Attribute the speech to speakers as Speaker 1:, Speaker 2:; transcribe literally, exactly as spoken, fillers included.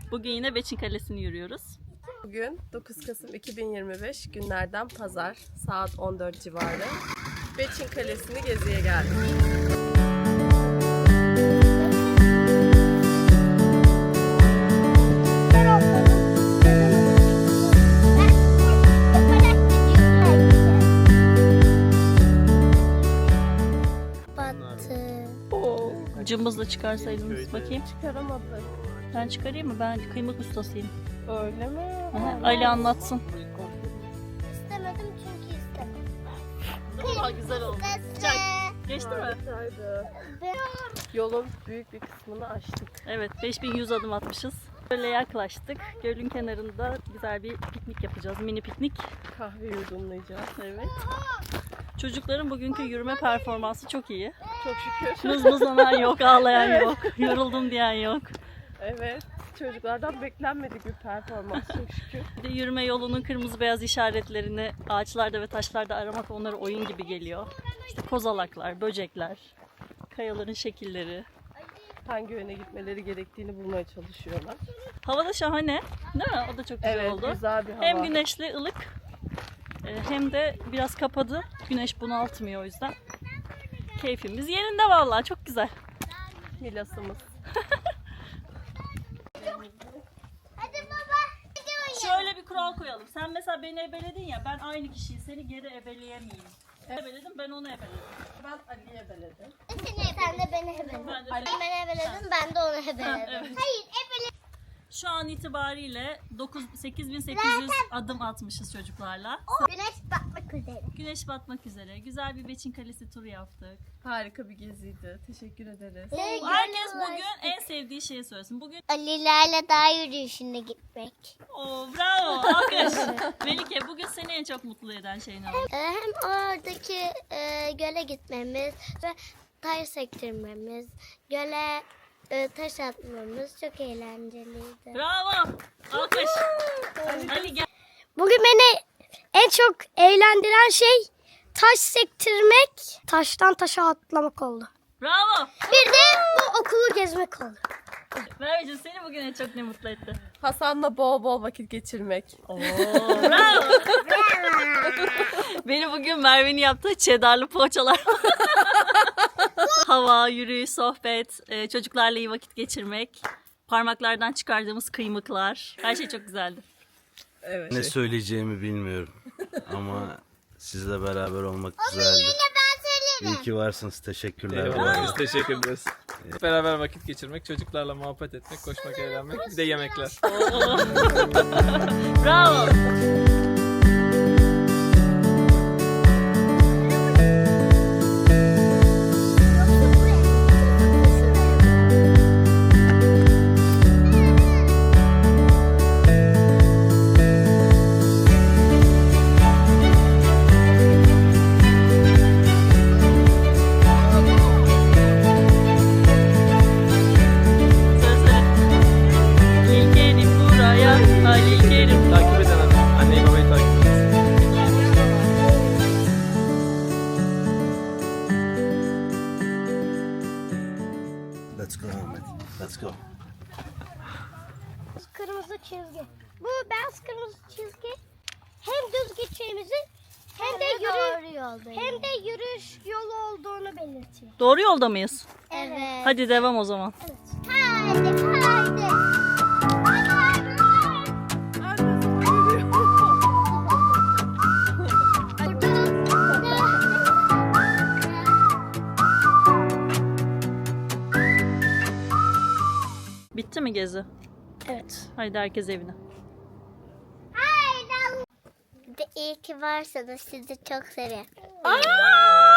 Speaker 1: Bugün yine Beçin Kalesi'ni yürüyoruz.
Speaker 2: Bugün dokuz Kasım iki bin yirmi beş günlerden pazar saat on dört civarı Beçin Kalesi'ni geziye geldik. Oo,
Speaker 1: Cımbızla çıkarsaydınız bakayım.
Speaker 2: çıkaramadık.
Speaker 1: Ben çıkarayım mı? Ben kıymık ustasıyım.
Speaker 2: Öyle mi?
Speaker 1: Aha, Ali anlatsın.
Speaker 3: İstemedim çünkü istemedim.
Speaker 1: Aa, güzel oldu. Sıcak. Geçti mi?
Speaker 2: Harikaydı. Yolun büyük bir kısmını açtık.
Speaker 1: Evet, beş bin yüz adım atmışız. Böyle yaklaştık. Gölün kenarında güzel bir piknik yapacağız. Mini piknik.
Speaker 2: Kahve yudumlayacağız.
Speaker 1: Evet. Çocukların bugünkü yürüme performansı çok iyi.
Speaker 2: Çok şükür.
Speaker 1: Mızmızlanan yok, ağlayan yok, yoruldum diyen yok.
Speaker 2: Evet. Çocuklardan beklenmedik bir performans çok şükür.
Speaker 1: Bir de yürüme yolunun kırmızı beyaz işaretlerini ağaçlarda ve taşlarda aramak onlara oyun gibi geliyor. İşte kozalaklar, böcekler, kayaların şekilleri.
Speaker 2: Hangi yöne gitmeleri gerektiğini bulmaya çalışıyorlar.
Speaker 1: Hava da şahane, değil mi? O da çok güzel
Speaker 2: Evet,
Speaker 1: oldu.
Speaker 2: güzel bir hava.
Speaker 1: Hem güneşli, ılık, e, hem de biraz kapadı. Güneş bunaltmıyor o yüzden. Keyfimiz yerinde vallahi, çok güzel.
Speaker 2: Milasımız.
Speaker 3: Hadi baba.
Speaker 1: Şöyle bir kural koyalım. Sen mesela beni ebeledin ya, ben aynı kişiyi seni geri ebeleyemeyeyim. Ebeledim, ben onu ebeledim.
Speaker 2: Ben Ali'ye ebeledim.
Speaker 3: Sen de beni hebeledin.
Speaker 1: Ben de
Speaker 3: Ben beni hebeledim, ben de onu hebeledim.
Speaker 1: evet.
Speaker 3: Hayır, hebeledim.
Speaker 1: Şu an itibariyle sekiz bin sekiz yüz adım atmışız çocuklarla.
Speaker 3: Güneş batmak üzere.
Speaker 1: Güneş batmak üzere. Güzel bir Beçin Kalesi turu yaptık.
Speaker 2: Harika bir geziydi. Teşekkür ederiz.
Speaker 1: Herkes bugün en sevdiği şeyi söylesin. Bugün
Speaker 3: Ali'lerle dağ yürüyüşüne gitmek.
Speaker 1: Oo, bravo, alkış. Melike, bugün seni en çok mutlu eden şey ne oldu?
Speaker 3: Ee, Hem oradaki e, göle gitmemiz ve taş sektirmemiz, göle e, taş atmamız çok eğlenceliydi.
Speaker 1: Bravo, alkış. Ali gel.
Speaker 3: Bugün beni en çok eğlendiren şey taş sektirmek, taştan taşa atlamak oldu.
Speaker 1: Bravo.
Speaker 3: Bir de bu okulu gezmek oldu.
Speaker 1: Merveciğim, seni bugün en çok ne mutlu etti?
Speaker 2: Hasan'la bol bol vakit geçirmek.
Speaker 1: Oo, bravo. Beni bugün Merve'nin yaptığı cheddarlı poğaçalar. Hava, yürüyüş, sohbet, e, çocuklarla iyi vakit geçirmek, parmaklardan çıkardığımız kıymıklar. Her şey çok güzeldi.
Speaker 2: Evet.
Speaker 4: Ne söyleyeceğimi bilmiyorum ama sizle beraber olmak güzeldi.
Speaker 3: Ben söylerim.
Speaker 4: İyi ki varsınız. Teşekkürler.
Speaker 5: Eyvallah, biz teşekkür ederiz. Beraber vakit geçirmek, çocuklarla muhabbet etmek, koşmak, eğlenmek, bir de yemekler.
Speaker 1: Bravo. İlkerim buraya, Halil Kerim.
Speaker 5: Takip eden anne, anneyi babayı takip edin.
Speaker 4: Let's go Ahmet. Let's go.
Speaker 3: Kırmızı çizgi. Bu beyaz kırmızı çizgi hem düz gideceğimizi hem de yürü hem de yürüyüş yolu olduğunu belirtiyor.
Speaker 1: Doğru yolda mıyız?
Speaker 3: Evet.
Speaker 1: Hadi devam o zaman.
Speaker 3: Haydi haydi.
Speaker 1: Bitti mi gezi?
Speaker 3: Evet.
Speaker 1: Haydi herkes evine.
Speaker 3: Bir de iyi ki varsınız. Sizi çok seviyorum.
Speaker 1: Aa!